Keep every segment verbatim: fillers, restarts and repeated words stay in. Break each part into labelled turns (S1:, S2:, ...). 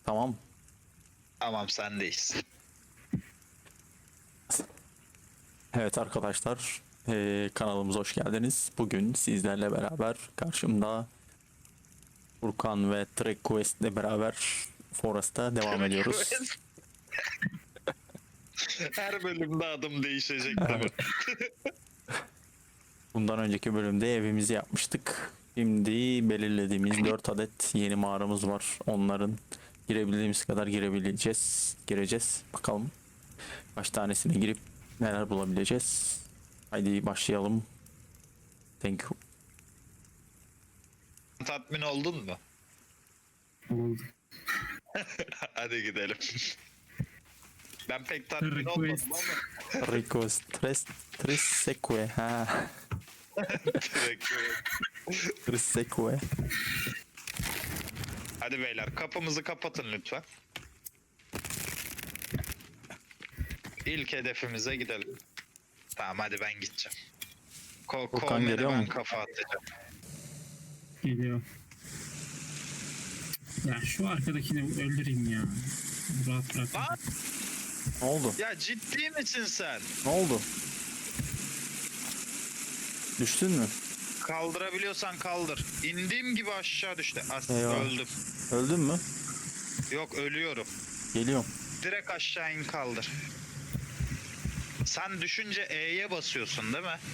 S1: Tamam.
S2: Tamam sendeyiz.
S1: Evet arkadaşlar, eee, kanalımıza hoş geldiniz. Bugün sizlerle beraber karşımda Furkan ve Trek Quest ile beraber Forest'a devam ediyoruz.
S2: Her bölümde adım değişecek değil mi?
S1: Bundan önceki bölümde evimizi yapmıştık. Şimdi belirlediğimiz dört adet yeni mağaramız var. Onların girebildiğimiz kadar girebileceğiz. Gireceğiz. Bakalım kaç tanesine girip neler bulabileceğiz. Haydi başlayalım. Thank you.
S2: Tatmin oldun mu?
S3: Oldu.
S2: Hadi gidelim. Ben pek tatmin olmadım
S3: Request.
S2: ama.
S1: Ricos tres tres seque ha
S2: Direkt böyle.
S1: tres seque.
S2: Hadi beyler kapımızı kapatın lütfen. İlk hedefimize gidelim. Tamam hadi ben gideceğim. Ko
S1: Furkan
S2: Kovmen'e
S1: geliyor
S2: ben
S1: mu?
S2: kafa atacağım.
S3: Geliyor. Ya şu arkadakini öldüreyim ya. Rahat bırak.
S2: Lan
S1: Ne oldu?
S2: ya ciddi misin sen?
S1: Ne oldu? Düştün mü?
S2: Kaldırabiliyorsan kaldır. İndiğim gibi aşağı düştü. As
S1: Eyvah.
S2: öldüm.
S1: Öldün mü?
S2: Yok ölüyorum.
S1: Geliyorum.
S2: Direkt aşağı in kaldır. Sen düşünce E'ye basıyorsun değil mi?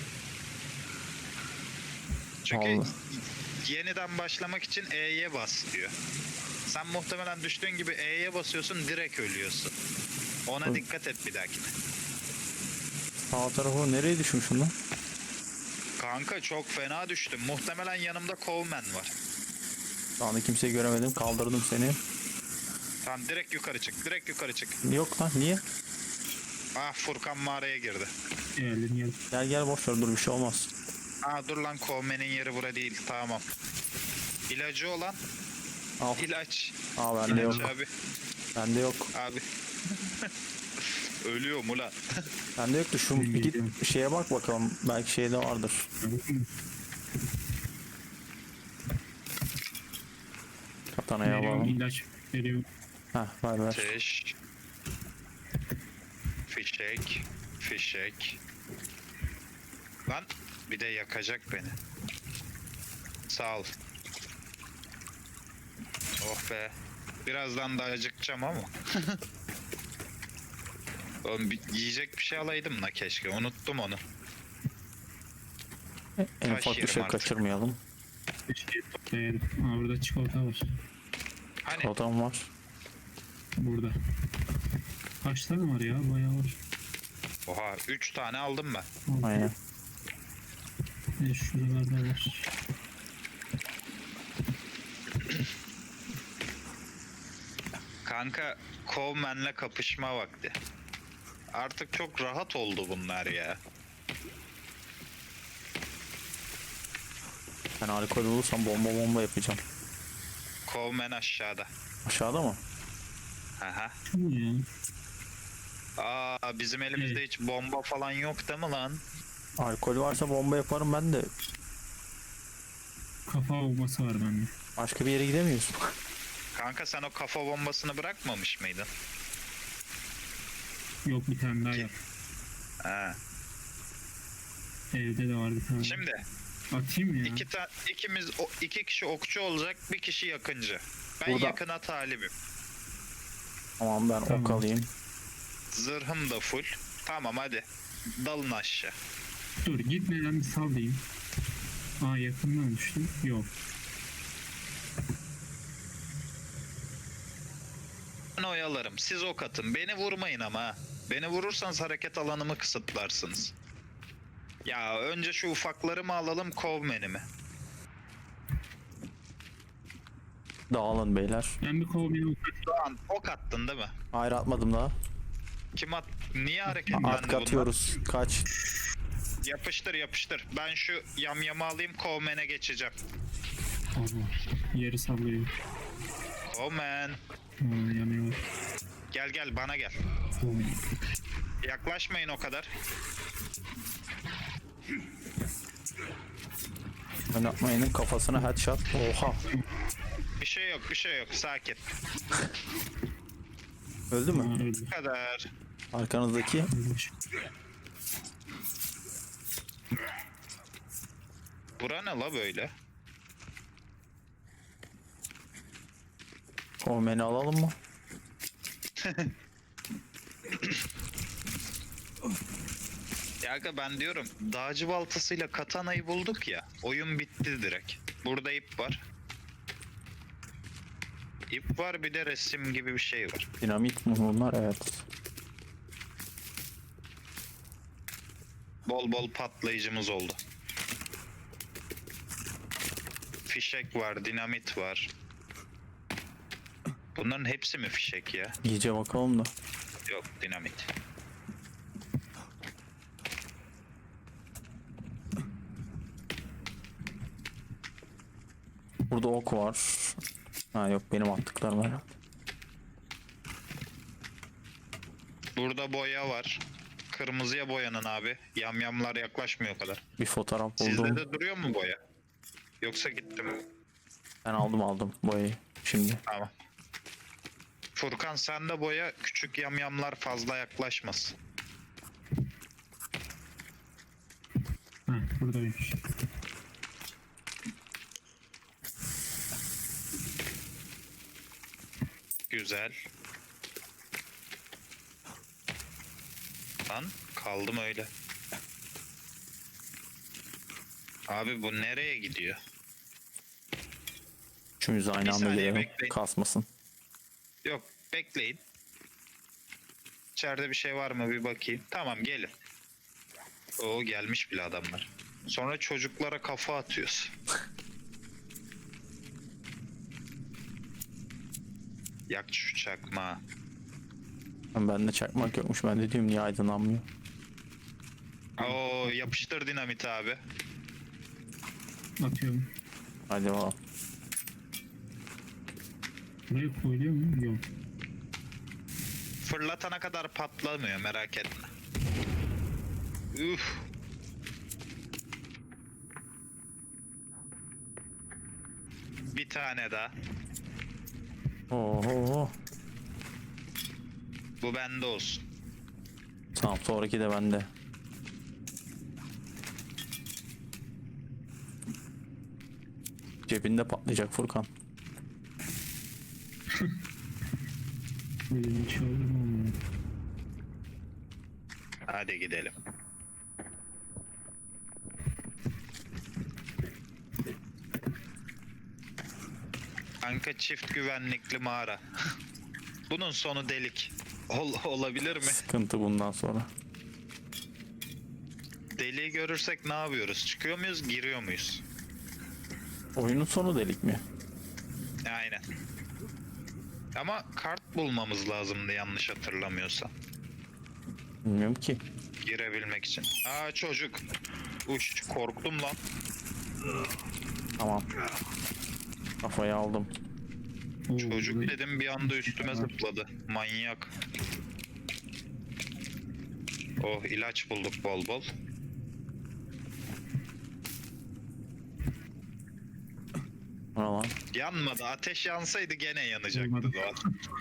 S2: Çünkü
S1: Vallahi.
S2: yeniden başlamak için E'ye bas diyor. Sen muhtemelen düştüğün gibi E'ye basıyorsun direkt ölüyorsun. Ona
S1: Hı.
S2: dikkat et bir dahakine.
S1: Sağ tarafa nereye düşmüşüm lan?
S2: Kanka çok fena düştüm. Muhtemelen yanımda Coleman var.
S1: Şu anda kimseyi göremedim. Kaldırdım seni.
S2: Tamam direkt yukarı çık. Direkt yukarı çık.
S1: Yok lan niye?
S2: Ah Furkan mağaraya girdi.
S3: Geldim geldim.
S1: Gel gel boş ver, dur bir şey olmaz.
S2: Aa dur lan Coleman'in yeri bura değil. Tamam. İlacı olan
S1: Al.
S2: ilaç.
S1: Aa bende yok.
S2: İlaç abi.
S1: Bende yok.
S2: Abi. Ölüyorum ulan.
S1: Bende yoktu. Şu bir git şeye bak bakalım. Belki şeyde vardır. Katanaya
S3: Veriyorum
S1: alalım.
S3: ilaç. Veriyorum.
S1: Heh ver ver.
S2: Ateş. Fişek. Fişek. Lan bir de yakacak beni. Sağ ol. Oh be. Birazdan da acıkacağım ama. Oğlum bir, yiyecek bir şey alaydım da keşke. Unuttum onu.
S1: En
S2: Taş
S1: ufak bir
S2: yerim
S1: şey
S2: artık.
S1: kaçırmayalım.
S3: Bir şey toplayalım. Aa burada çikolata var.
S2: Hani
S1: Kodan var.
S3: Burada. Kaç tane var ya? Bayağı var.
S2: oha üç tane aldım ben.
S3: Altı.
S1: Aynen.
S3: E, şuralarda var.
S2: Kanka Coleman'le kapışma vakti. Artık çok rahat oldu bunlar ya.
S1: Ben alkol olursam bomba bomba yapacağım.
S2: Coleman aşağıda.
S1: Aşağıda mı?
S2: Aha.
S3: Şu mu ya?
S2: Aa bizim elimizde hiç bomba falan yok değil mi lan?
S1: Alkol varsa bomba yaparım ben de.
S3: Kafa olması var bende.
S1: Başka bir yere gidemiyorsun.
S2: Kanka sen o kafa bombasını bırakmamış mıydın?
S3: Yok bir tane daha yap.
S2: Ha.
S3: Evde de var bir tane.
S2: Şimdi
S3: Atayım ya.
S2: iki ta ikimiz o, iki kişi okçu olacak, bir kişi yakıncı. Ben
S1: Burada-
S2: yakına talibim.
S1: Tamam ben
S3: Tamam.
S1: ok alayım.
S2: Zırhım da full. Tamam hadi. Dalın aşağı.
S3: Dur gitmeden bir sal diyeyim. Aa yakından düştüm. Yok.
S2: Ben oyalarım. Siz ok atın. Beni vurmayın ama ha. Beni vurursanız hareket alanımı kısıtlarsınız. Ya önce şu ufakları mı alalım, Coleman'i mi?
S1: Dağılın beyler.
S3: Ben bir kovmayı
S2: Doğan ok attın değil mi?
S1: Hayır atmadım daha.
S2: Kim at? Niye hareketlendi
S1: At
S2: bunlar?
S1: atıyoruz. Kaç.
S2: Yapıştır yapıştır. Ben şu yamyamı alayım, Coleman'e geçeceğim.
S3: Aa, yeri sallıyor.
S2: Coleman.
S3: Aa, yanıyor.
S2: Gel gel bana gel.
S3: Aa,
S2: Yaklaşmayın o kadar.
S1: Oynatmayının kafasına headshot. Oha.
S2: Bir şey yok, bir şey yok. Sakin.
S1: Öldü mü?
S3: Ha, öldü.
S2: Bu kadar.
S1: Arkanızdaki.
S3: Ölmüş.
S2: Bura ne la böyle?
S1: Komeni alalım mı?
S2: Ya aga ben diyorum dağcı baltasıyla katanayı bulduk ya. Oyun bitti direkt. Burada ip var. İp var, bir de resim gibi bir şey var.
S1: Dinamit mi bunlar? Evet.
S2: Bol bol patlayıcımız oldu. Fişek var, dinamit var. Bunların hepsi mi fişek ya?
S1: İyice bakalım da.
S2: Yok, dinamit.
S1: Burada ok var. Ha yok, benim attıklarım herhalde.
S2: Burada boya var. Kırmızıya boyanın abi. Yamyamlar yaklaşmıyor o kadar.
S1: Bir fotoğraf
S2: Sizde
S1: buldum.
S2: de duruyor mu boya? Yoksa gitti mi?
S1: Ben aldım aldım boyayı. Şimdi.
S2: Tamam. Furkan sen de boya, küçük yamyamlar fazla yaklaşmasın.
S3: Ha, buradaymış.
S2: Güzel. Lan kaldım öyle. Abi bu nereye gidiyor?
S1: Üçümüz aynı
S2: Bir
S1: anda
S2: saniye
S1: gelelim.
S2: bekleyin.
S1: Kasmasın.
S2: Yok, bekleyin. İçeride bir şey var mı bir bakayım. Tamam, gelin. Oo, gelmiş bile adamlar. Sonra çocuklara kafa atıyoruz. Yak şu çakma.
S1: Bende çakmak yokmuş. Ben de diyorum niye aydınlanmıyor.
S2: Oo, yapıştır dinamit abi.
S3: Atıyorum.
S1: Hadi bakalım.
S3: Buraya koyuluyor mu? Yok.
S2: Fırlatana kadar patlamıyor, merak etme. Üf. Bir tane daha.
S1: Oho.
S2: Bu bende olsun.
S1: Tamam, sonraki de bende. Cebinde patlayacak Furkan.
S3: Böyle bir şey olur mu?
S2: Hadi gidelim. Kanka çift güvenlikli mağara. Bunun sonu delik. Ol, olabilir mi?
S1: Sıkıntı bundan sonra.
S2: Deliği görürsek ne yapıyoruz? Çıkıyor muyuz, giriyor muyuz?
S1: Oyunun sonu delik mi?
S2: Aynen. Ama kart bulmamız lazımdı yanlış hatırlamıyorsam.
S1: Bilmiyorum ki.
S2: Girebilmek için. Aa, çocuk. Uş, korktum lan.
S1: Tamam. Kafayı aldım.
S3: Oo,
S2: Çocuk
S3: buraya-
S2: dedim, bir anda üstüme zıpladı. Manyak. Oh, ilaç bulduk bol bol.
S1: O ne lan?
S2: Yanmadı. Ateş yansaydı gene yanacaktı
S3: Olmadı.
S2: Doğan.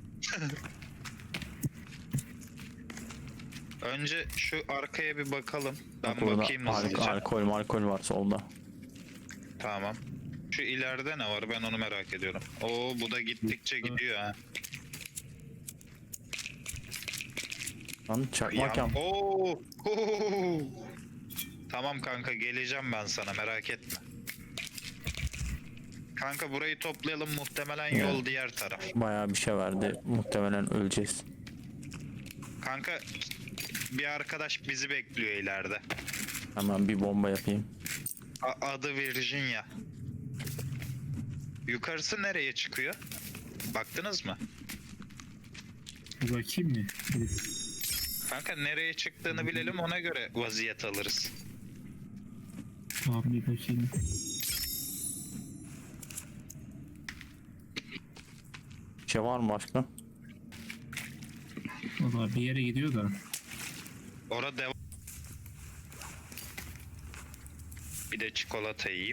S2: Önce şu arkaya bir bakalım. Ben
S1: Bak burada
S2: bakayım
S1: al-
S2: hızlıca.
S1: alkol alkol var solda.
S2: Tamam. Şu ileride ne var? Ben onu merak ediyorum. Oo, bu da gittikçe gidiyor ha.
S1: Lan çakmak yan.
S2: Oo. Huu. Tamam kanka, geleceğim ben sana, merak etme. Kanka burayı toplayalım, muhtemelen yol
S1: Evet.
S2: diğer taraf.
S1: Bayağı bir şey verdi. Muhtemelen öleceğiz.
S2: Kanka bir arkadaş bizi bekliyor ileride.
S1: Hemen bir bomba yapayım.
S2: A- adı Virginia. Yukarısı nereye çıkıyor? Baktınız mı?
S3: Bir bakayım mı? Bir-
S2: Kanka nereye çıktığını bilelim, ona göre vaziyet alırız.
S3: Tamam, bir bakayım.
S1: Bir şey var mı başka?
S3: Valla bir yere gidiyor da.
S2: Orada devam. Bir Bir de çikolata yiyeyim.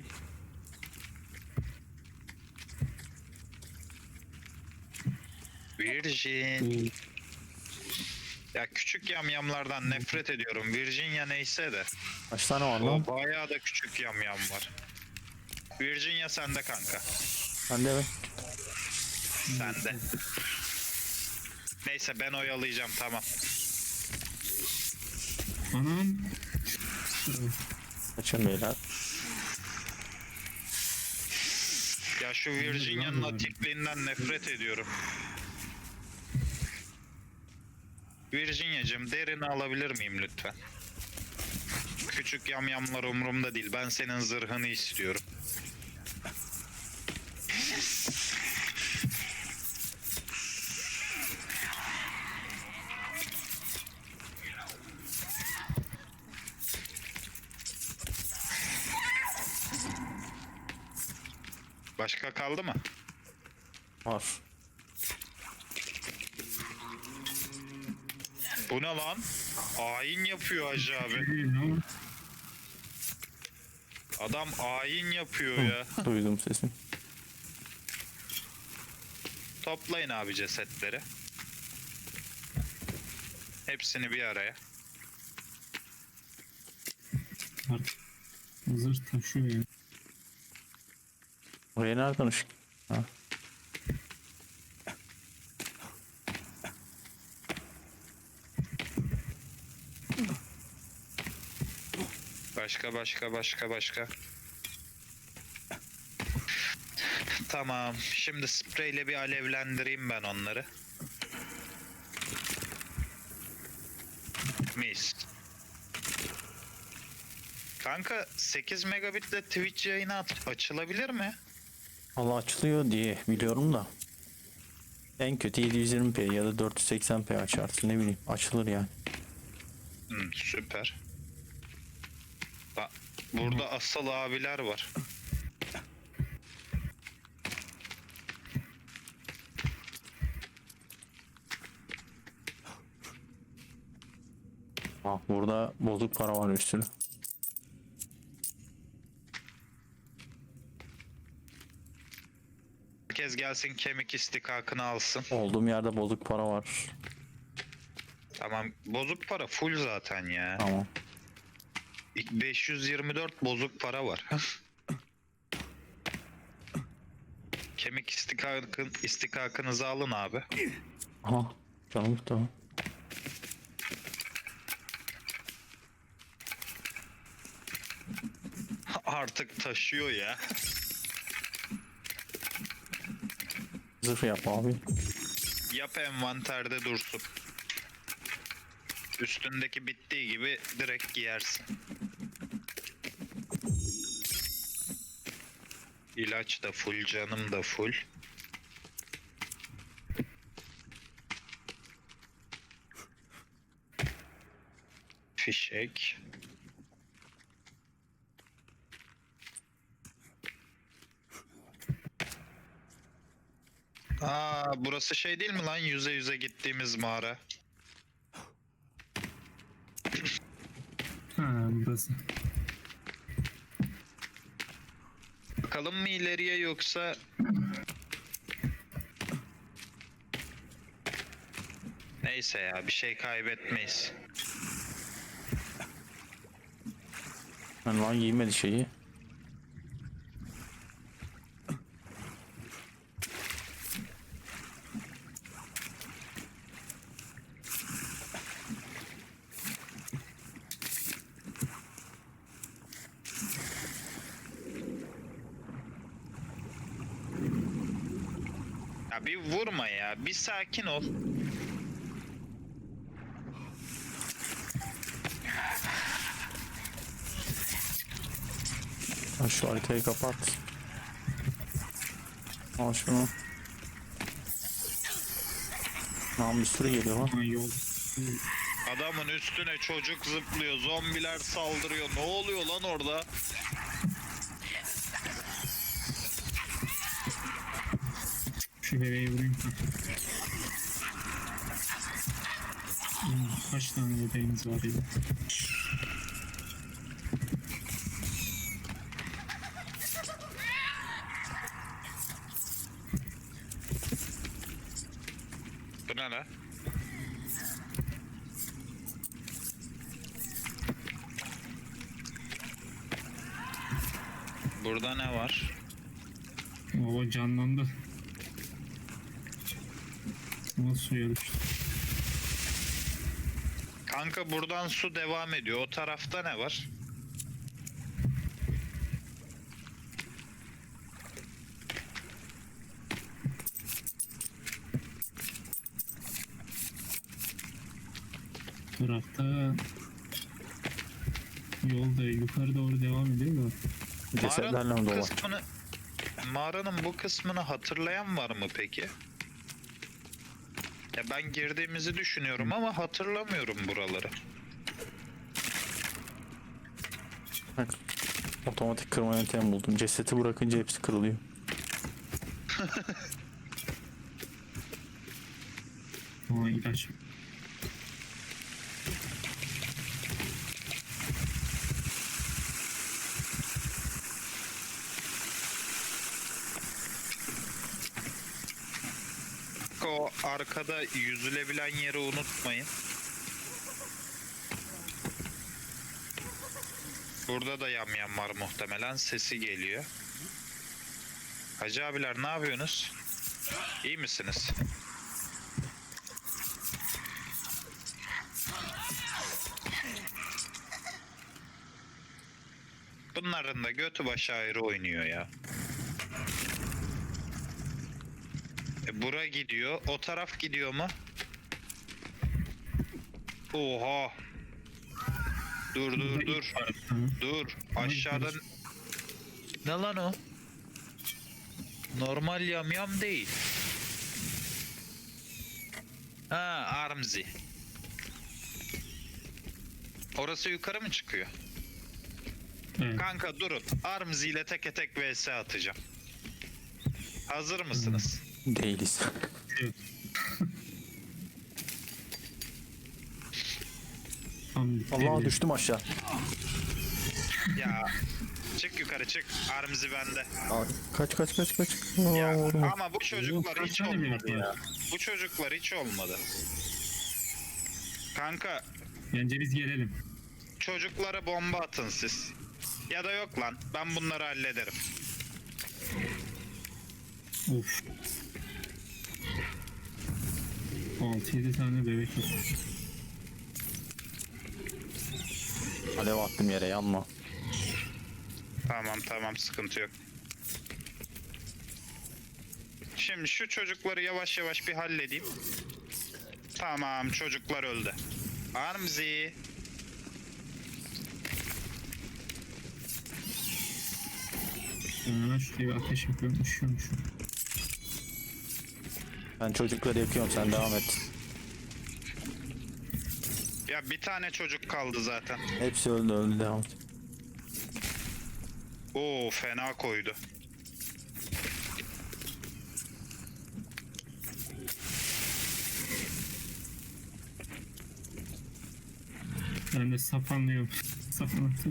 S2: Virgin. Ya küçük yamyamlardan nefret ediyorum. Virginia neyse de.
S1: Kaç tane var lan?
S2: O bayağı da küçük yamyam var. Virginia sende kanka.
S1: Ben de mi?
S2: Sende. Neyse ben oyalayacağım, tamam.
S3: Anam.
S1: Kaçın beyler.
S2: Ya şu Virginia'nın atikliğinden nefret ediyorum. Virginia'cığım derini alabilir miyim lütfen? Küçük yamyamlar umurumda değil. Ben senin zırhını istiyorum. Başka kaldı mı?
S1: Var.
S2: Bu ne lan? Ayin yapıyor Hacı abi.
S3: Geliyor.
S2: Adam ayin yapıyor ya.
S1: Duydum sesini.
S2: Toplayın abi cesetleri. Hepsini bir araya.
S3: Artık zırh taşıyor ya.
S1: Oraya nereden ışık? Ha.
S2: Başka başka başka başka. Tamam. Şimdi spreyle bir alevlendireyim ben onları. Mis. Kanka sekiz megabitle Twitch yayını at- açılabilir mi?
S1: Allah açılıyor diye biliyorum da. En kötü yedi yüz yirmi p ya da dört yüz seksen p açarsın, ne bileyim, açılır yani.
S2: Hmm, süper. Ba- Burada asıl abiler var.
S1: Bak burada bozuk para var üstüne.
S2: Herkes gelsin kemik istikakını alsın.
S1: Olduğum yerde bozuk para var.
S2: Tamam, bozuk para full zaten ya.
S1: Tamam.
S2: beş yüz yirmi dört bozuk para var. Kemik istikakın, istikakınızı alın abi.
S1: Aha. Canım tamam.
S2: Artık taşıyor ya.
S1: Zırh yap abi.
S2: Yap, envanterde dursun. Üstündeki bittiği gibi direkt giyersin. İlaç da full, canım da full. Fişek. Aa, burası şey değil mi lan, yüze yüze gittiğimiz mağara?
S3: Ha burası.
S2: Bakalım mı ileriye yoksa... Neyse ya, bir şey kaybetmeyiz.
S1: Ben lan giymedi şeyi.
S2: Ya bir vurma ya, bir sakin ol.
S1: Ha, şu haritayı kapat. Al şunu. Lan bir sürü geliyor lan.
S3: Ha yol.
S2: Adamın üstüne çocuk zıplıyor, zombiler saldırıyor. Ne oluyor lan orada?
S3: Şu bebeği vurayım. Hmm, kaç tane bebeğimiz var ya?
S2: Bu ne la? Burada ne var?
S3: O canlandı. Ama suya düştü.
S2: Kanka buradan su devam ediyor. O tarafta ne var?
S3: Tarafta yolda yukarı doğru devam ediyor da.
S1: Cesetlerle mi
S2: Mağaranın bu
S1: dolu?
S2: kısmını, mağaranın bu kısmını hatırlayan var mı peki? Ya ben girdiğimizi düşünüyorum ama hatırlamıyorum buraları.
S1: Bak, otomatik kırma yöntemi buldum. Cesedi bırakınca hepsi kırılıyor.
S3: Aa ilaç.
S2: O arkada yüzülebilen yeri unutmayın. Burada da yamyam var muhtemelen. Sesi geliyor. Hacı abiler ne yapıyorsunuz? İyi misiniz? Bunların da götü başı ayrı oynuyor ya. E, bura gidiyor. O taraf gidiyor mu? Oha. Dur dur dur. Dur. Aşağıdan... Ne lan o? Normal yamyam değil. Ha, Armzi. Orası yukarı mı çıkıyor?
S3: Evet.
S2: Kanka durun. Armzi ile teke tek vs atacağım. Hazır mısınız?
S1: Değiliz.
S3: Evet. Tam
S1: Allah düştüm aşağı.
S2: Ya çık yukarı çık. Armzi bende.
S1: Aa, kaç kaç kaç kaç.
S2: Ya,
S1: Aa, vurma.
S2: ama bu çocuklar hiç
S3: Kaç tane
S2: olmadı
S3: bir
S2: ya. Bu çocuklar hiç olmadı. Kanka
S3: Bence biz gelelim.
S2: çocuklara bomba atın siz. Ya da yok lan ben bunları hallederim.
S3: Of. altı yedi tane bebek var.
S1: Alev attım yere, yanma.
S2: Tamam tamam sıkıntı yok. Şimdi şu çocukları yavaş yavaş bir halledeyim. Tamam çocuklar öldü. Armzi.
S3: Ben hemen şuraya bir ateş yapıyorum. Üşüyormuşum.
S1: Ben çocukları yakıyorum, sen devam et.
S2: Ya bir tane çocuk kaldı zaten.
S1: Hepsi öldü öldü, devam et.
S2: Oo fena koydu.
S3: Ben de sapanlıyorum. Sapanlıyorum.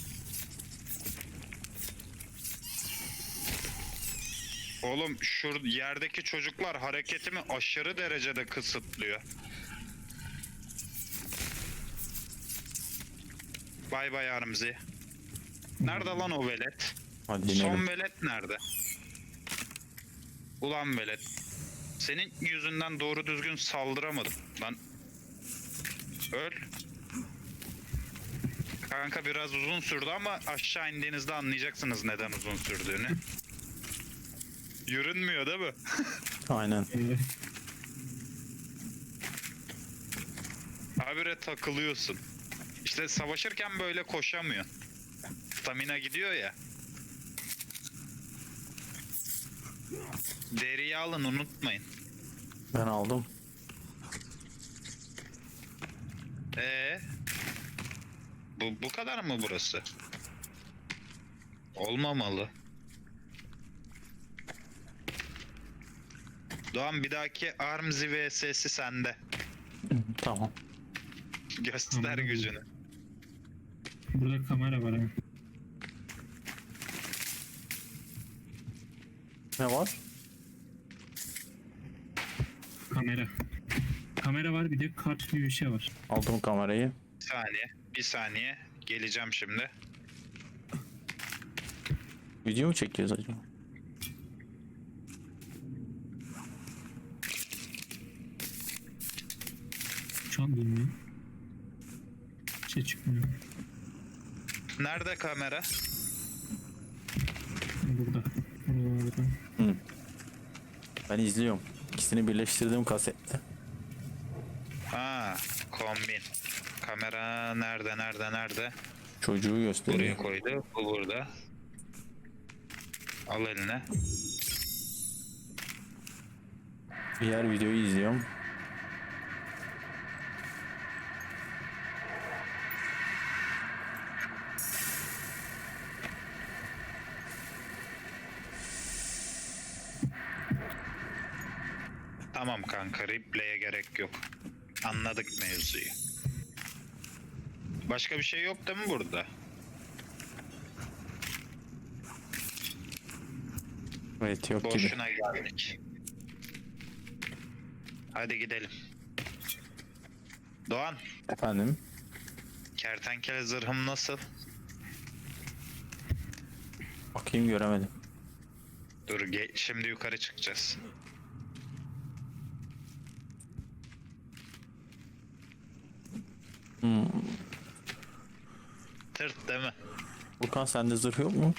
S2: Oğlum şu yerdeki çocuklar hareketimi aşırı derecede kısıtlıyor. Bay bay Armzi. Nerede lan o velet?
S1: Hadi
S2: Son
S1: inelim.
S2: velet nerede? Ulan velet. Senin yüzünden doğru düzgün saldıramadım. Lan. Öl. Kanka biraz uzun sürdü ama aşağı indiğinizde anlayacaksınız neden uzun sürdüğünü. Yürünmüyor değil mi?
S1: Aynen.
S3: Evet.
S2: Habire takılıyorsun. İşte savaşırken böyle koşamıyor. Stamina gidiyor ya. Deriyi alın unutmayın.
S1: Ben aldım.
S2: Ee, bu bu kadar mı burası? Olmamalı. Doğan bir dahaki Armzi vs'si sende.
S1: Tamam.
S2: Göster
S3: Tamam.
S2: gücünü.
S3: Burada kamera var ha.
S1: Ne var?
S3: Kamera. kamera var, bir de kart gibi bir şey var.
S1: Aldım kamerayı.
S2: Bir saniye. Bir saniye. Geleceğim şimdi.
S1: Video mu çekiyoruz acaba?
S3: Şu an bilmiyorum. Bir şey çıkmıyor.
S2: Nerede kamera?
S3: Burada. Burada.
S1: Hı. Ben izliyorum. İkisini birleştirdim kasette.
S2: Ha, kombin. Kamera nerede nerede nerede?
S1: Çocuğu
S2: Buraya
S1: gösteriyor.
S2: koydu. Bu burada. Al eline.
S1: Diğer videoyu izliyorum.
S2: Tamam kanka, replay'e gerek yok. Anladık mevzuyu. Başka bir şey yok değil mi burada?
S1: Evet, yok gibi.
S2: Boşuna geldik. Hadi gidelim. Doğan,
S1: Efendim?
S2: kertenkele zırhım nasıl?
S1: Bakayım, göremedim.
S2: Dur, ge- şimdi yukarı çıkacağız.
S1: Hmm.
S2: Tırt değil mi?
S1: Furkan, sende zırh yok mu?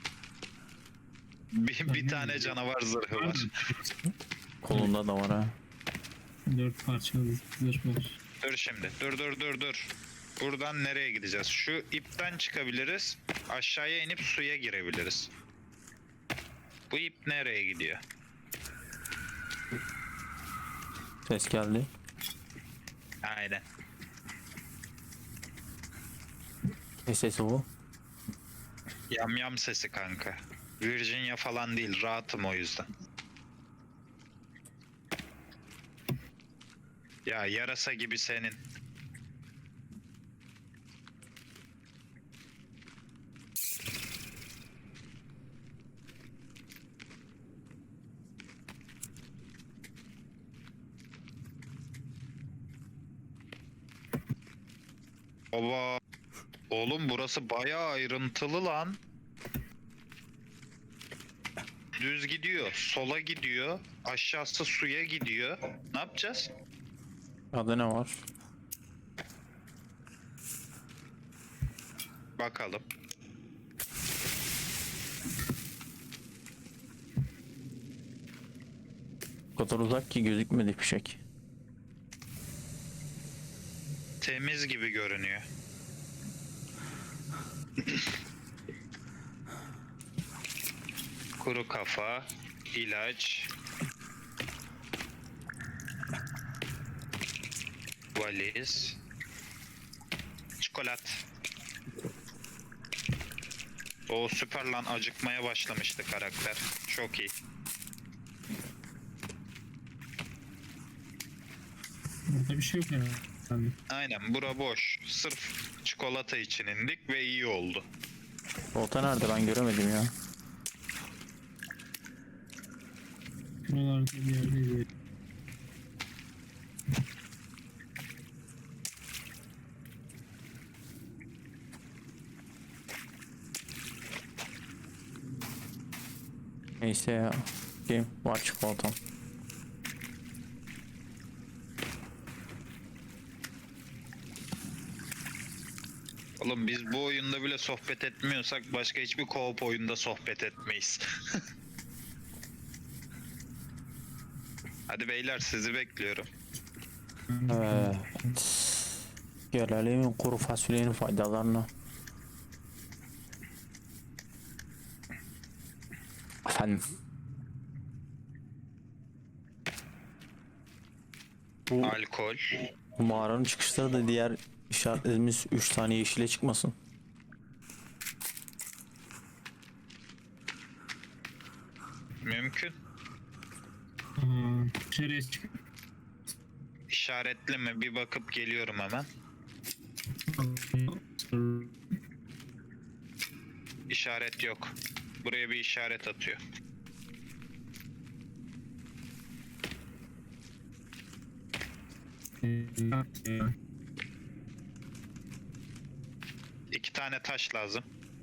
S2: Bir, bir tane canavar zırhı var.
S1: Kolunda da var ha.
S3: Dört parçalı zırh var.
S2: Dur şimdi. Dur dur dur dur. Buradan nereye gideceğiz? Şu ipten çıkabiliriz. Aşağıya inip suya girebiliriz. Bu ip nereye gidiyor?
S1: Ses geldi.
S2: Aynen.
S1: Ne sesi bu?
S2: Yam yam sesi kanka. Virginia falan değil. Rahatım o yüzden. Ya yarasa gibi senin. Baba. Oğlum burası bayağı ayrıntılı lan. Düz gidiyor, sola gidiyor, aşağısı suya gidiyor. Ne yapacağız?
S1: Adı ne var?
S2: Bakalım.
S1: O kadar uzak ki gözükmedi fişek.
S2: Temiz gibi görünüyor. Kuru kafa, ilaç, valiz, çikolat. O süper lan, acıkmaya başlamıştı karakter. Çok iyi.
S3: Burada bir şey yok herhalde.
S2: Aynen, bura boş. Sırf çikolata için indik ve iyi oldu.
S1: Volta nerede, ben göremedim ya.
S3: Buralarda bir yerdeydi.
S1: Neyse ya. Game var, çikolatam.
S2: Oğlum biz bu oyunda bile sohbet etmiyorsak başka hiçbir co-op oyunda sohbet etmeyiz. Hadi beyler, sizi bekliyorum.
S1: Evet. Gelelim kuru fasulyenin faydalarına. Efendim. Bu
S2: Alkol.
S1: mağaranın çıkışları da diğer işaretlediğimiz üç tane yeşile çıkmasın.
S2: Mümkün.
S3: Aa, dışarıya çık.
S2: İşaretli mi? Bir bakıp geliyorum hemen. İşaret yok. Buraya bir işaret atıyor.
S3: Ee,
S2: İki tane taş lazım.